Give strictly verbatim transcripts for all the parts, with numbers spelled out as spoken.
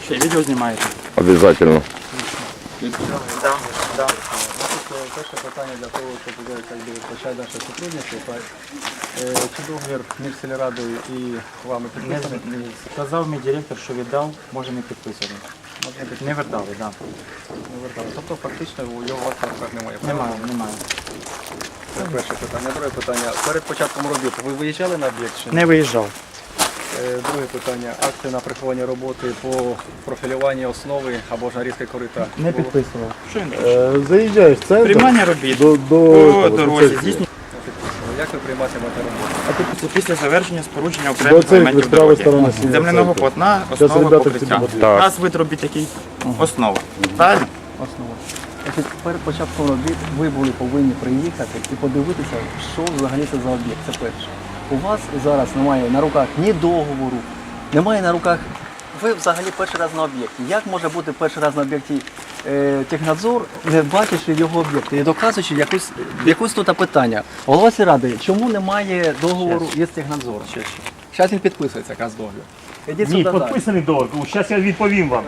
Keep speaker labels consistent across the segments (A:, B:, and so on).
A: Ще відео знімаєте?
B: Обязательно.
A: Да, да.
C: Перше питання для того, щоб почати наше сотрудничество. Чи договір між сільрадою і вами підписаний?
A: Сказав мій директор, що віддав, може не підписати. Не вертали, так. Да.
C: Не вертали. Тобто фактично його у вас на руках немає?
A: Немає, немає.
C: Це перше питання. Друге питання. Перед початком робіт ви виїжджали на об'єкт? чи ні?
A: Не виїжджав.
C: Е, Друге питання. Акти на приховання роботи по профілюванню основи або ж нарізки корита?
A: Не
C: було?
A: підписував. Що він?
D: Е, Заїжджаєш в центр
A: Приймання робіт
D: до, до,
A: по
D: до,
A: дорозі
D: до,
A: здійснює.
C: Не підписували. Як ви прийматимете роботу?
A: Це після завершення спорудження окремих
D: церкви,
A: елементів
D: справа
A: дороги.
D: сторона сіня
A: Земляного
D: церква.
A: полотна,
D: Зараз
A: основа
D: ребята
A: покриття.
D: тобі будуть.
B: Так.
A: У нас вид робіт такий основа. Правильно?
C: Основа. Значить, перед початком робіт ви були повинні приїхати і подивитися, що взагалі це за об'єкт. Це перше. У вас зараз немає на руках ні договору, немає на руках. Ви взагалі перший раз на об'єкті. Як може бути перший раз на об'єкті е, технадзор, не бачачи його об'єкти і доказуючи якусь, якусь тут питання? Голова сільради, чому немає договору із технадзором? Зараз він підписується, якраз договір. Ідіть
E: Ні,
C: сюди далі.
E: підписаний договір. Зараз я відповім вам.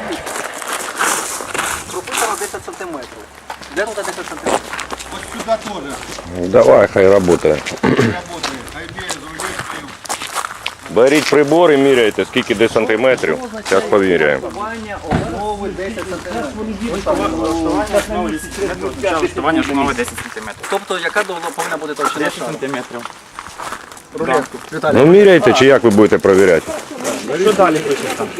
C: Прописано десять сантиметрів. Де тут десять сантиметрів?
F: Вот сюда тоже
B: Давай, хай работає.
F: работает. Айбей,
B: Беріть прибор і міряйте, скільки де сантиметрів. Зараз поміряємо.
C: Основання основи десять сантиметрів.
A: Влаштування основи десять сантиметрів.
C: Тобто, яка довго повинна бути товщина
A: десять
C: шару?
A: сантиметрів.
C: Рулетку. Віталій,
B: Ну міряйте, чи як ви будете перевіряти?
A: Що далі пишеш там?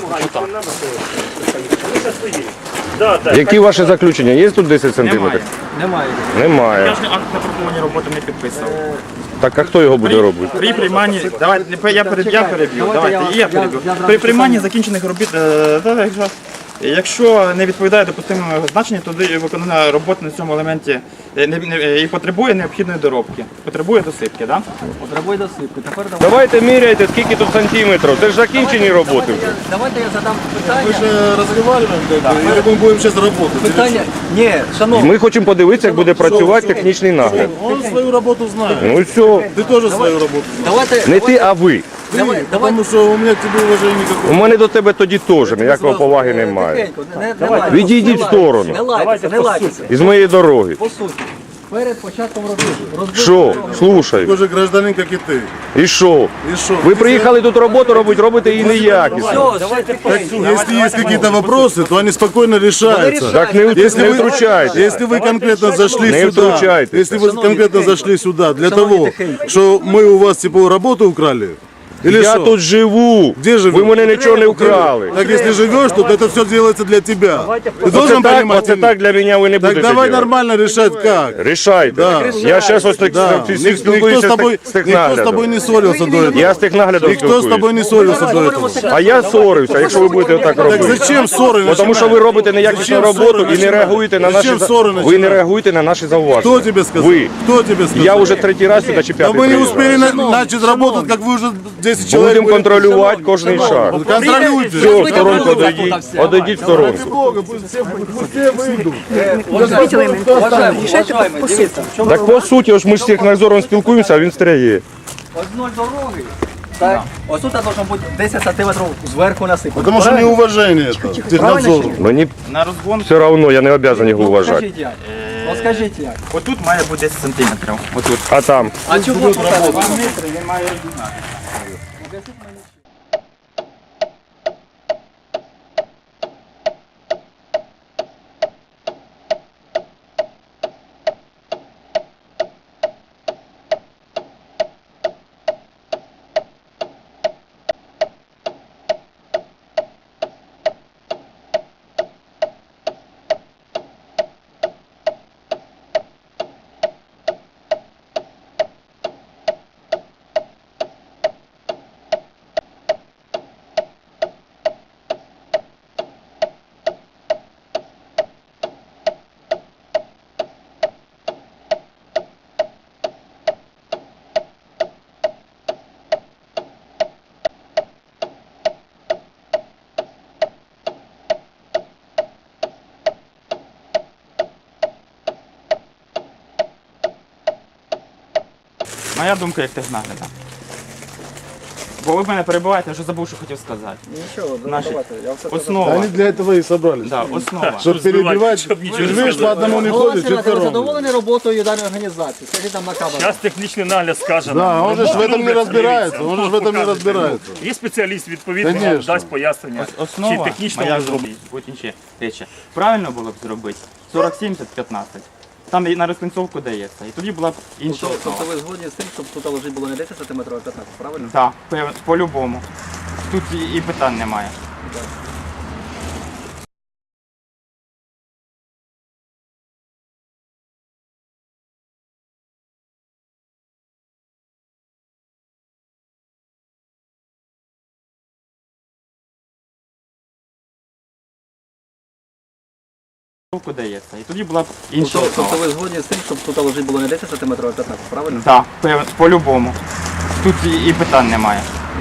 E: Да, так.
B: Які ваші заключення? Є тут десять сантиметрів?
C: немає.
B: Немає.
A: Я ж акт на приховані роботи не підписував.
B: Так а хто його буде робити?
A: При прийманні, давайте я переб'ю, я переб'ю.
C: Давайте
A: Давайте,
C: я-
A: я переб'ю.
C: я- я
A: При прийманні закінчених робіт, е, та, якщо- якщо не відповідає допустимому значенню, тоді виконана робота на цьому елементі е, не- не- і потребує необхідної доробки. Потребує досипки, так?
C: Потребує досипки. Тепер давайте.
B: Давайте міряйте, скільки тут сантиметрів. Це ж закінчені роботи
C: Давайте
B: вже.
C: я, давайте я задам питання.
F: Мы же разговариваем, как бы, или мы будем сейчас работать?
C: Питання. Ні, шановні.
B: Ми хочемо подивитися, як буде працювати технічний нагляд.
F: Он свою работу знает.
B: Ну і все.
F: Ты тоже свою работу знаешь.
C: Давайте.
B: Не ти, а ви.
C: Давай, давай.
F: Потому что у меня к тебе уважения
B: У
F: никакого.
B: мене до тебе тоді теж ніякої поваги немає.
C: Тихенько, не, не, не лайтеся,
B: Відійдіть
C: не
B: в сторону.
C: лайтеся, Не лайтеся, не лайтеся.
B: Із моєї дороги.
C: По суті. Перед початком робіт. розбив
B: Що?
C: дорогу.
B: Слушай.
F: Такой же гражданин, как и ты.
B: І що?
F: И что?
B: Ви приїхали тут роботу робити, робите її неякісно.
C: Все, давайте
F: Если есть какие-то вопросы, то они спокойно решаются.
B: Так не,
F: Если
B: не
F: вы,
B: втручайте.
F: если вы конкретно зашли
B: Не
F: сюда,
B: втручайтесь.
F: если вы конкретно зашли сюда для
C: Шановні,
F: того,
C: тихенько.
F: что мы у вас типа работу украли, или
B: Я
F: что?
B: тут живу.
F: Де живете?
B: Ви мене нічого не вкрали.
F: Так если живешь тут, это все делается для тебя. Ты
B: Оце
F: должен
B: так,
F: понимать.
B: оце так для мене ви не
F: Так
B: будете
F: давай
B: делать.
F: нормально решать как.
B: Рішайте.
F: Да.
B: Я зараз ось так
F: Да.
B: всіх
F: Ник- Никто
B: спілкуюся
F: с тобой,
B: з
F: никто с тобой
B: технаглядом.
F: не ссорился до этого.
B: Я з технаглядом
F: Никто с тобой
B: спілкуюся.
F: не ссорился до этого.
B: А я сорився, якщо ви будете так
F: Так
B: робити.
F: зачем ссоры?
B: Бо Тому що ви робите неякісну
F: Зачем
B: роботу
F: ссоры
B: і не
F: начинать?
B: реагуєте на наші
F: Зачем
B: за-
F: ссоры
B: ви не
F: начинать?
B: реагуєте на наші зауваження.
F: Кто тебе сказал?
B: Ви.
F: Кто тебе сказал?
B: Я вже третій раз сюди чи
F: Да
B: п'ятий
F: мы не
B: приїжджаю.
F: успели на- начать работать, как вы уже десять человек.
B: Будемо
F: были.
B: контролювати кожний шаг.
F: Контролируйте.
B: Все, в сторонку одійдіть. Одійдіть в сторонку.
F: Бога, пусть все, пусть все выйдут.
C: Уважаємо, уважаємо, дивіться.
B: Так по суті, ось ми з технадзором спілкуємося, а він стряє.
C: Одною дороги. Так, ось тут должно бути десять сантиметрів зверху насипати.
F: Потому что неуважение это, технадзору.
B: Мені
A: На розгон,
B: все одно, я не обов'язаний його
C: Ну,
B: вважати.
C: скажіть як. Ну, скажіть як.
A: отут має бути десять сантиметрів. Отут.
B: А там?
C: А чого тут так?
A: Два метри він має розігнати. Моя думка як технагляда. Бо ви мене перебуваєте, я вже забув, що хотів сказати.
C: Нічого,
A: Наші
C: давайте, я все
A: Основа.
F: Они для этого и собрались.
A: Да, основа.
F: Чтобы перебивать,
E: чтоб ничего не
F: видишь, по одному не
C: Голова
F: ходит,
C: Сенатора, ви
F: четвером.
C: задоволені роботою даної організації? Скажіть там на камеру.
E: Зараз технічний нагляд скаже.
F: Да,
E: нам.
F: он же ж в
E: Роботу
F: этом не
E: люблять,
F: разбирается,
E: дивіться,
F: он же в этом не
E: показує.
F: разбирается.
E: Є спеціаліст, відповідно, вам
F: Конечно.
E: дасть пояснення, чи
A: Основа
E: технічно
A: моя
E: воно зробить.
A: будуть інші речі. Правильно було б зробити сорок сімдесят п'ятнадцять. Там і на розкінцовку дається. І тоді була б інша
C: Тобто,
A: основа.
C: тобто ви згодні з тим, щоб тут лежить було не десять сантиметрів, а п'ятнадцять, правильно?
A: Так, пев- по-любому. Тут і, і питань немає. Розкінцовку дається. І тоді була б інша
C: Тобто,
A: основа.
C: тобто ви згодні з тим, щоб тут лежить було не десять сантиметрів, а п'ятнадцять, правильно?
A: Так, пев- по-любому. Тут і, і питань немає.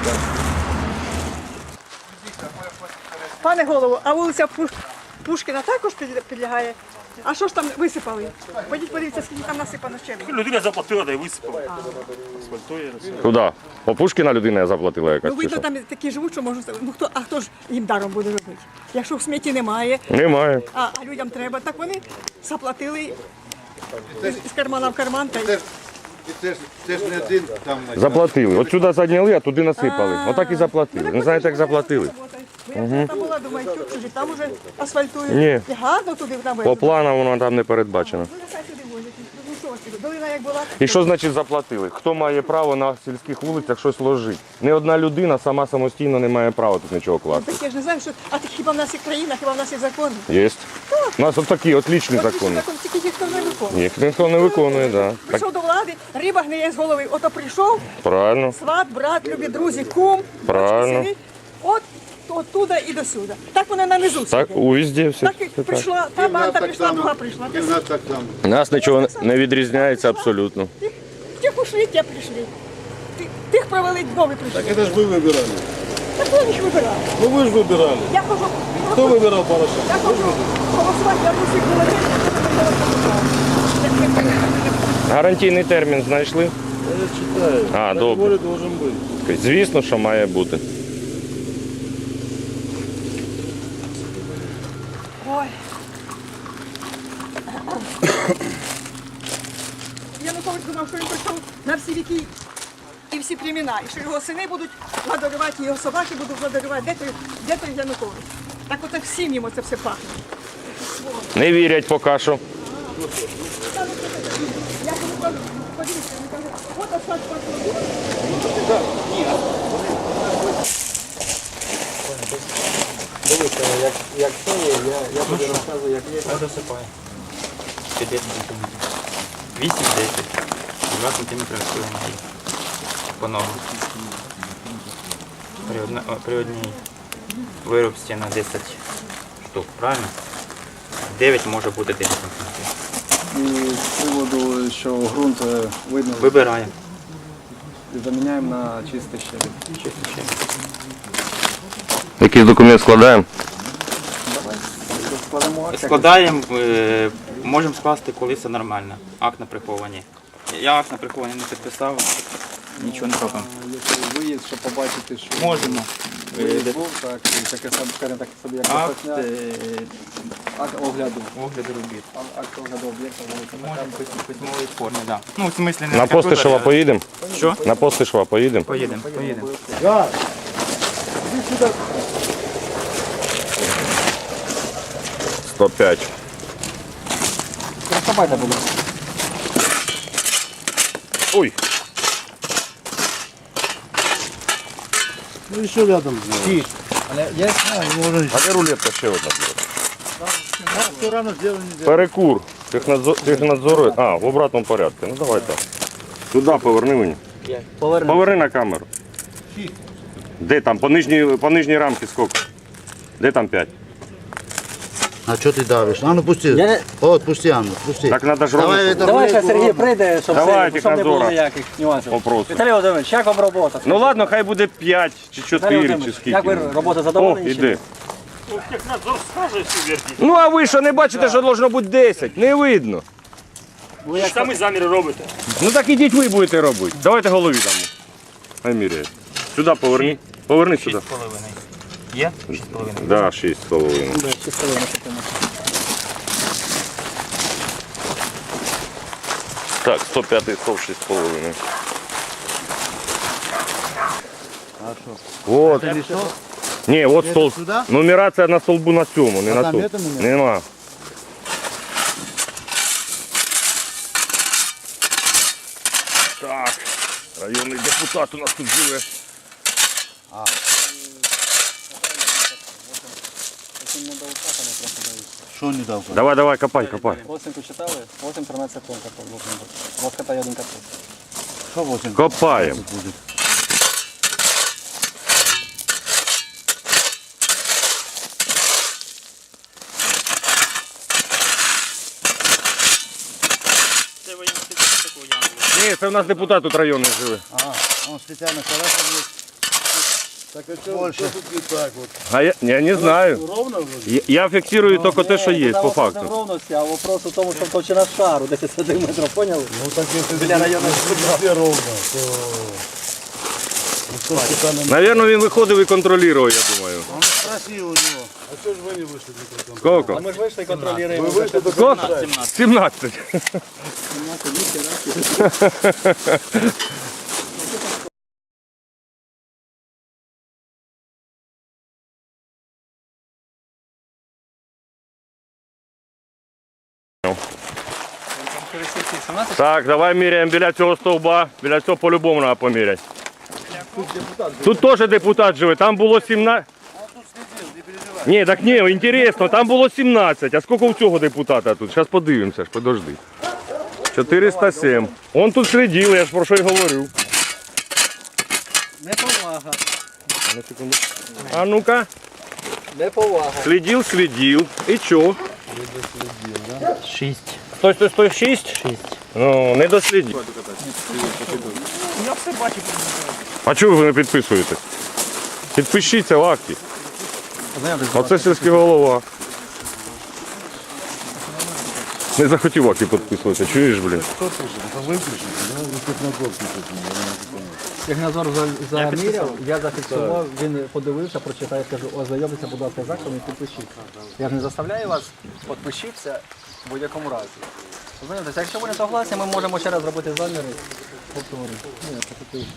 D: Пане голово, а вулиця Пуш- Пушкіна також під- підлягає? А що ж там висипали? Ходіть подивіться, скільки там насипано щебня.
E: Людина заплатила, да й висипала. Асфальтує.
B: Куди? По Пушкіна людина заплатила якась
D: Ну
B: чи
D: видно,
B: що?
D: там такі живуть, що можуть. Ну хто, а хто ж їм даром буде робити? Якщо в смітті немає,
B: Немає.
D: а, а людям треба, так вони заплатили з кармана в карман. Та й...
F: Це ж не один там.
B: Заплатили. От сюди задняли, а туди насипали. Отак і заплатили. Не знаєте, як заплатили?
D: Я там була, думаю, чуть чужі, там уже асфальтують.
B: Ні.
D: І гарно туди
B: По
D: навели.
B: плану воно там не передбачено.
D: Ну, нехай туди возять. Ну що ж ти, долина як була.
B: І що значить заплатили? Хто має право на сільських вулицях щось ложити? Не одна людина сама самостійно не має права тут нічого класти.
D: Так я ж не знаю, що. А ти хіба в нас є країна, хіба в нас є закон?
B: Є. У нас от такі отлічні
D: От
B: закони.
D: закон, тільки ніхто не виконує.
B: Їх ніхто не виконує, так. Так,
D: Прийшов до влади, риба гниє з голови. Ото прийшов,
B: правильно.
D: сват, брат, любі друзі, кум,
B: Правильно.
D: бачки, сини. От оттуда і до сюди. Так вони на низу
B: Так,
D: сидять.
B: у везде все.
D: Так і прийшла, та банда прийшла, друга прийшла.
F: И нас так там.
B: Нас нічого не відрізняється абсолютно.
D: Тих, тих ушли, ті прийшли. Тих, тих провели, нові прийшли.
F: Так это ж вы выбирали.
D: Так вони ж вибирали.
F: Ну вы же выбирали.
D: Я хожу,
F: Кто выбирал Порошенко?
D: я хожу голосувати, я усіх говорив,
B: Гарантійний термін знайшли?
F: Я читаю.
B: А,
F: На
B: добре.
F: дворе должен быть.
B: Звісно, що має бути.
D: Ой. Янукович думав, що він прийшов на всі віки і всі племена, і що його сини будуть владарювати, і його собаки будуть владарювати. Де той, де той Янукович? Так от всім йому це все пахне.
B: Не вірять поки що.
D: Я кажу, подивіться, він каже, от асфальт пахне.
C: Дивіться, як, як це є, я, я тобі розказую, як є.
A: Я досипаю. десять сантиметрів. вісім-десять. два сантиметри розпилення по ногу. При, одна, о, при одній вирубці на десять штук, правильно? дев'ять може бути десять сантиметрів.
C: І з приводу, що ґрунт е, видно,
A: Вибираємо.
C: заміняємо на чистий щебінь.
A: Чисто ще.
B: Якийсь документ складаємо?
C: Давай, складемо акт.
A: Складаємо, е, можемо скласти, коли все нормально. Акт на прихованні. Я акт на прихованні не підписав, нічого не робимо.
C: Якщо виїзд, щоб побачити, що
A: Можемо. Е,
C: виїзд
A: де-
C: був, так, і таке саме, скажімо так, собі як
A: Акт,
C: посня,
A: е,
C: акт огляду.
A: огляду робіт.
C: А- Акт огляду об'єкта вулиця
A: Можемо в письм- письмовій формі, так. Да. Ну, в смислі не
B: На
A: комп'ютері,
B: Постишева
A: а-
B: поїдемо?
A: Що?
B: На Постишева поїдемо?
A: Поїдемо, поїдемо.
F: Да.
B: сто п'ять.
C: Розкопайте, будь ласка.
B: Ой,
F: Ну еще рядом сделали.
C: Але я знаю,
B: а де рулетка ще одна?
F: Все рано сделано не делали.
B: Перекур. Технадзор, технадзору. А, в обратному порядку. Ну давай так. Туди поверни мені.
C: повернемо.
B: Поверни на камеру. Де там? По нижній, по нижній рамці скільки? Де там п'ять?
G: А что ты давишь? А ну пусти.
C: Я не-
G: О, отпусти, Анну, пусти.
B: Так треба ж
G: Давай
B: робити.
G: это
C: Давай
G: блядь,
C: ще Сергій
G: ладно.
C: прийде, щоб,
B: Давай,
C: це, щоб не було
B: Технадзора.
C: ніяких нюансів.
B: Вопросу.
C: Віталій Володимирович, як вам робота?
B: Ну ладно, хай буде п'ять чи
C: Віталій
B: чотири, чи
C: Володимирович,
B: скільки.
C: як ви робота
B: О,
C: задоволені? чи
B: іди.
C: ні?
E: Ну, технадзор скаже всю вердіть.
B: Ну а ви що не бачите, що должно бути десять? Не видно.
C: Ви як
E: Самі заміри робите.
B: Ну так ідіть ви будете робити. Давайте голові дамо. Хай міряє. Сюди поверни. Поверни сюди.
A: шість з половиною. Є? шість з половиною.
B: Да, шість з половиною.
C: Да, чисто воно таке.
B: Так, сто п'ятий стовп шість з половиною. Вот. Ні, от столб.
G: сюди?
B: Нумерація на столбу на цьому, не
G: А
B: на
G: там
B: тому.
G: нету нумерації?
B: Нема. Так, районний депутат у нас тут живе.
G: Що не дав?
B: Давай, давай, копай, копай.
C: Восемку читали? восемь тринадцять тонн капот. У вас катає один капот.
G: Що восемь?
B: Копаємо.
G: Буде?
A: Це ви такого яму.
B: Ні, це у нас депутат тут районний живе.
G: А, он спеціально колеса буде. Так а що,
F: Больше. Тут не так вот.
B: А я, я не знаю.
F: Ровно вроде?
B: Я, я фіксую тільки те, що є,
C: Там
B: по
C: вопрос не в
B: факту.
C: ровності, а вопрос у тому, що товщина шару десять сантиметрів, поняли?
F: Ну так если
C: Біля районного
F: везде ровно, то... Ну, что специально...
B: Навірно, він виходив і контролював, я думаю.
G: Он спросив у нього.
F: А что же вы не вышли на прикол?
B: Скільки?
C: Ми ж вийшли і контролюємо.
F: Вы вышли до
B: Скільки? сімнадцять. Так, давай міряємо біля цього стовба. Біля цього по-любому треба поміряти. Тут теж депутат живе, там було сімнадцять. Ні, так ні, інтересно, там було сімнадцять. А скільки у цього депутата тут? Зараз подивимося, ж, подожди. чотириста сім. Он тут слідив, я ж про що й говорю.
C: Неповага.
B: А ну-ка,
C: Неповага.
B: слідив, слідив. І що?
C: Шість.
B: Стой, стой, стой, шість? Шість. Ну, не дослідив.
E: Я все бачу.
B: А чого ви не підписуєтесь? Підпишіться в акті. Оце сільський голова. Не захотів акті підписуватися, чуєш, блін?
C: Як Назар за- заміряв, я зафіксував, він подивився, прочитав, я скажу, ознайомтеся, будь ласка, з актом і підпишіть. Я ж не заставляю вас, підпишіться в будь-якому разі. Ознайомтеся, якщо ви не согласні, ми можемо ще раз зробити заміри. Повторити. Ні, це такий.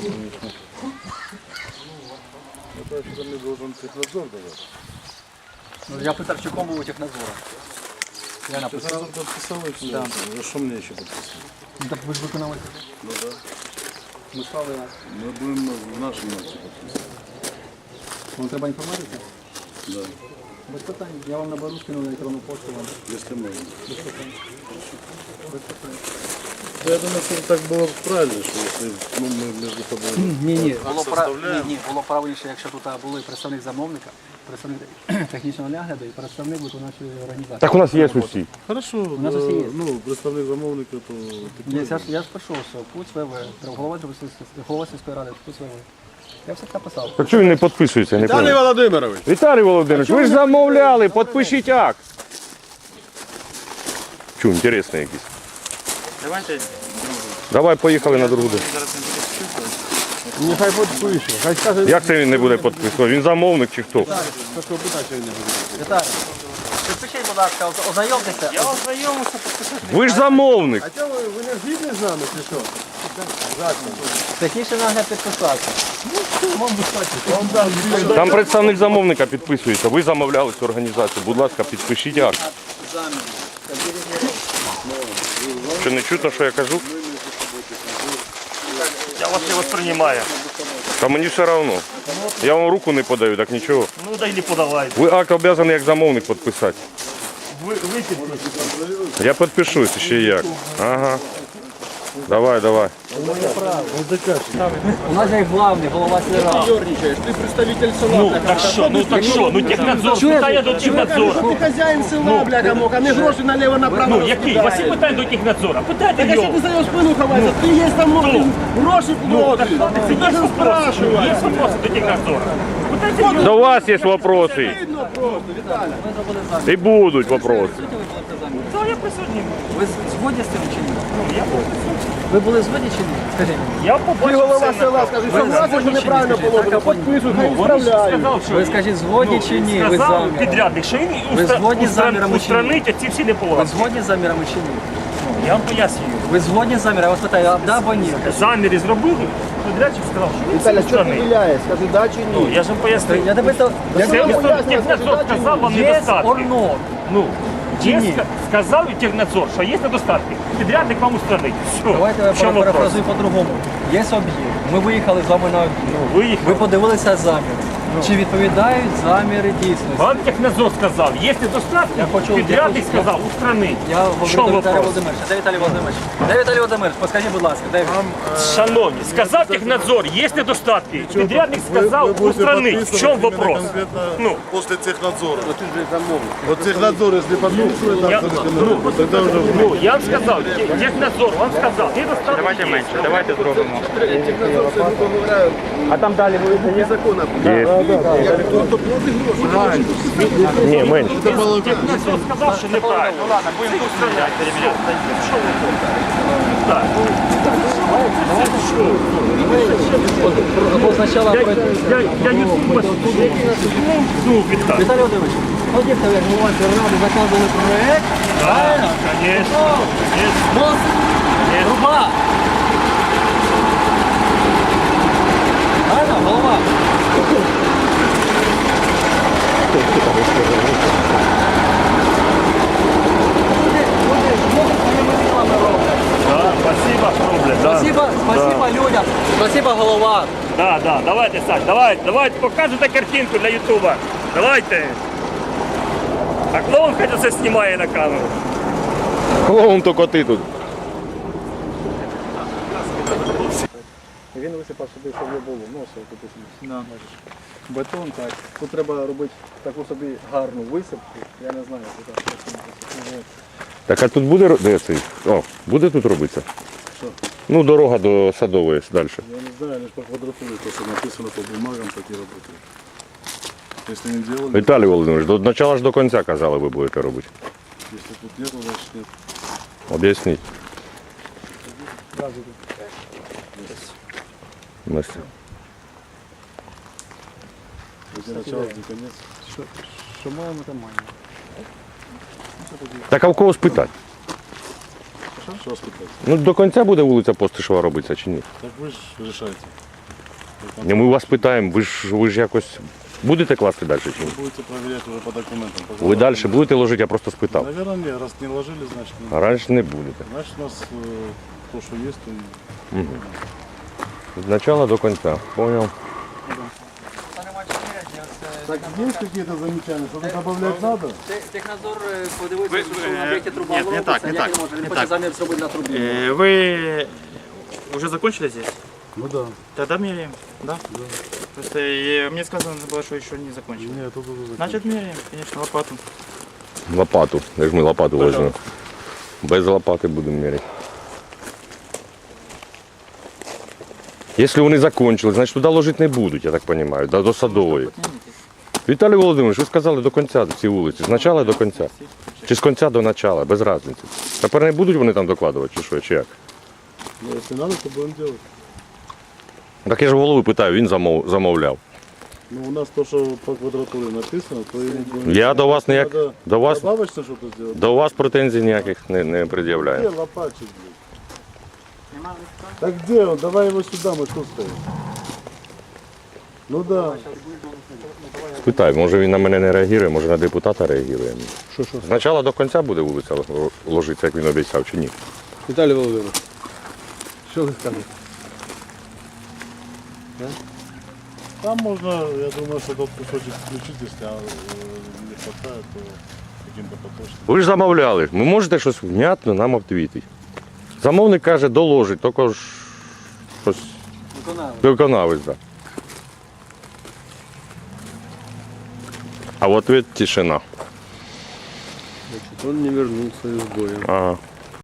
C: Ну, я питав, чи кому у технадзора. Я написав.
F: Да. А что мне еще подписать?
C: Ну, так ви ж виконали.
F: Ну да.
C: Ми стали,
F: Мы будем в нашем акте подписывать.
C: вам треба інформація?
F: Да.
C: Без питань. Я вам наберу, скину на електронну пошту вам.
F: Если можно.
C: Без питань. Без питань.
F: Я думаю, что так было бы правильно, что если ну, мы между собой...
C: Ні, ні, було, пра... ні, ні, було правильніше, якщо тут були представник замовника, представник технічного нагляду і представник виконавчої організації.
B: Так у нас є усі.
F: Хорошо,
C: нас
F: э,
C: все есть.
F: ну, представник замовника, то...
C: Ні, я ж, я ж пишу, що Пуць ВВ, голова, голова сільської ради, Пуць ВВ. Я все написав.
B: Так чого він не підписується? Не
F: Виталий
B: понял.
F: Володимирович!
B: Віталій Володимирович, ви ж замовляли, підпишіть акт. Чу, інтересний якийсь.
A: Давайте
B: Давай, поїхали на другу.
A: зараз не буде.
F: Нехай підпише, хай скаже...
B: Як це він не буде підписувати? Він замовник чи хто?
F: Такого питання не буде.
C: Віталій, підпишіть, будь ласка, оз- ознайомтеся.
A: Я ознайомився, підписати.
B: Ви ж замовник.
F: А чого ви, ви не згідні з нами, чи що?
C: Технічний нагляд підписався.
F: Вам дам дві.
B: Там представник замовника підписується. Ви замовляли цю організацію. Будь ласка, підпишіть акт. Що не чутно, що я кажу?
E: Я вас не воспринимаю.
B: Та мені все одно. Я вам руку не подаю, так нічого.
E: Ну дай не подавайте.
B: Ви акт обов'язані як замовник підписати.
E: Ви, ви підписуєте.
B: Я підпишусь ще як. Ага. Давай, давай.
C: У нас є главний, голова сільради.
E: Ну так що, ну так що, ну технадзор питає до технадзора.
H: Ти хазяїн села, бляха, муха, не гроші наліво направо.
E: Ну який? У вас є питання до технадзора? Питайте
H: Так якщо
E: його.
H: ти за його спину ховаєшся, ти є там ну, гроші
E: Ну так
H: платиш.
E: це є вопроси. Є вопроси до технадзора. Питайте його.
B: До вас є вопроси.
H: Видно просто, Віталя.
C: Ми зробили замір.
B: І будуть вопроси.
C: Суті, ви будете замір.
E: Та я присутній.
C: Ви з- згодні з цим чи ні?
E: Ну, я був присутній.
C: Ви були згодні чи ні? Скажіть мені.
E: Я
H: Ти
E: побачив
H: голова
E: все на
H: села,
E: камері.
H: скажи,
C: Ви
H: согласен,
C: згодні
H: що
C: чи ні?
H: неправильно
C: Скажіть,
H: положено.
C: так, а потім-
H: Підписуй, хай
E: Вони ж
H: відправляють.
E: сказав, що
C: Ви скажіть, згодні чи ні? Ви з
E: сказав
C: заміром?
E: підрядник, що він
C: Ви
E: устра-
C: згодні з
E: устра-
C: замірами чи ні?
E: устранить ці всі
C: Ви
E: неполадки.
C: згодні з замірами чи ні?
E: Я вам пояснюю.
C: Ви згодні з замірами? Я вас питаю, а да або ні?
E: Заміри зробили, підрядчик сказав, що він
H: Віталя,
E: всі
H: що ти
E: устранить.
H: виляєш? Скажи, да чи
E: Ну,
H: ні?
E: я ж вам пояснив.
C: Я тебе то... Я
E: Це
H: тебе
E: місто
H: поясню,
E: Технадзор
H: скажи, да чи
E: сказав вам
C: Yes
E: недостатки.
C: or no?
E: Ну,
C: Чи
E: є,
C: ні?
E: ска- сказав і Технадзор, що є недостатки. Підрядник вам устранить. Все.
C: Давайте я
E: В чому вопрос?
C: перефразую по-другому. Є об'єкт. Ми виїхали з вами на об'єкт. Ви
E: Виїхав.
C: подивилися заміри. Чи відповідають заміри дійсності?
E: Вам Технадзор сказав, є недостатки,
C: Я хочу-
E: підрядник
C: я хочу-
E: сказав, устранить.
C: Я
E: В
C: говорю
E: чому
C: до Віталія
E: вопрос?
C: Володимировича. Де Віталій Володимирович? Де Віталій Володимирович? Подскажіть, будь ласка, де він?
E: Шановні, сказав Технадзор, є недостатки. Підрядник сказав, устранить. В чому вопрос? Ну,
F: После технадзора. Вот технадзор, если подписывает,
E: Я-
F: так, ну, тогда уже...
E: ну, я вам сказав, Те- Технадзор вам сказав, недостатки.
A: Давайте
E: є.
A: менше, давайте зробимо.
H: А там далі буде незаконно.
B: Ні, менше.
E: Технадзор сказав, що неправильно. Ну ладно, будемо устраняти, переміняти. Що ви Так. Це що?
C: Або спочатку
E: Я,
C: пройти.
E: я, я ютуб ну, Віталій.
C: Віталій Володимирович, от як ви як голова ради закладали проект, правильно?
E: Конечно, конечно.
C: Мос, труба. Правильно, голова? Люди, люди, люди своїми силами роблять.
E: Да, спасибо, Рубль, да.
C: Спасибо, спасибо людям, спасибо голова.
E: Да, да, давайте, Саш, давайте, давайте, показуйте картинку для Ютуба. Давайте. А клоун хотя це знімає на камеру.
B: Клоун то коти тут.
C: Він висипав собі, щоб було носив тут бетон, так. Тут треба робити таку собі гарну висипку. Я не знаю, куди це.
B: Так а тут буде ро- де цей? О, буде тут робитися?
F: Що?
B: Ну, дорога до Садової далі.
F: Я не знаю, лишь по квадратуре, то, что написано по бумагам, так и работает. Если не делали,
B: Віталій Володимирович, до начала ж до кінця казали, ви будете робити.
F: если тут нету, значит нет.
B: Об'ясніть. Настя.
F: Где начало, где конец.
C: Що маємо, то маємо.
B: Так а в кого спитати?
F: Что спитать?
B: Ну до кінця буде вулиця Постишева робитися чи ні?
F: Так вы же решаете.
B: Ні, ми вас питаємо, ви ж ви ж якось будете класти далі чи ні?
F: Вы будете проверять уже по документам. по
B: Ви далі
F: законам.
B: будете ложити, я просто спитав.
F: Наверное, нет. Раз не ложили, значит,
B: А
F: нет.
B: раніше не будете.
F: Значит, у нас э, то, что есть, то и...
B: З начала до кінця. Понял.
F: Так, есть какие-то замечания? Что-то добавлять надо?
C: Технадзор подивився,
A: Ви-
C: що на об'єкті труба
A: Ні, не
C: робиться,
A: так, не
C: як
A: так,
C: він може, він
A: не
C: хоче
A: так.
C: замір зробити на трубі.
A: Э, Вы уже закончили здесь?
F: Ну да.
A: Тогда меряем, да? Просто э, мне сказано было, что еще не закончили.
F: Нет, тут уже
A: Значит, меряем, конечно, лопату.
B: Лопату. Де ж ми лопату ложимо? Без лопати будемо міряти. Якщо вони закончили, значить туди ложити не будуть, я так розумію, до, до Садової. Віталій Володимирович, ви сказали до кінця ці вулиці. З начала до кінця. Чи з кінця до начала, без різниці. Тепер не будуть вони там докладувати, чи що, чи як?
F: Ну, если надо, то будем делать.
B: Так я ж голови питаю, він замов, замовляв.
F: Ну, у нас то, что по квадратуре написано, то и будем...
B: Я до вас ніяк,
F: Надо
B: до вас,
F: добавочно что-то сделать?
B: до вас претензій ніяких не, не
F: Где
B: пред'являю.
F: лопатчик, блядь? Так где он? Давай его сюда, мы тут стоим. Ну да.
B: Спитай, може він на мене не реагує, може на депутата реагує. Що, що? З начала до кінця буде вулиця ложитися, як він обіцяв, чи ні?
H: Віталій Володимирович, що ви скажете?
F: Там можно, я думаю, что тот кусочек включить, если а, э, не хватает, то каким-то поточным.
B: Ви ж замовляли, ви можете щось внятно нам відповісти. Замовник каже, доложить, тільки ж щось
C: Виконали.
B: виконавець. Да. А в ответ тишина.
F: Он не вернулся из боя.
B: Ага.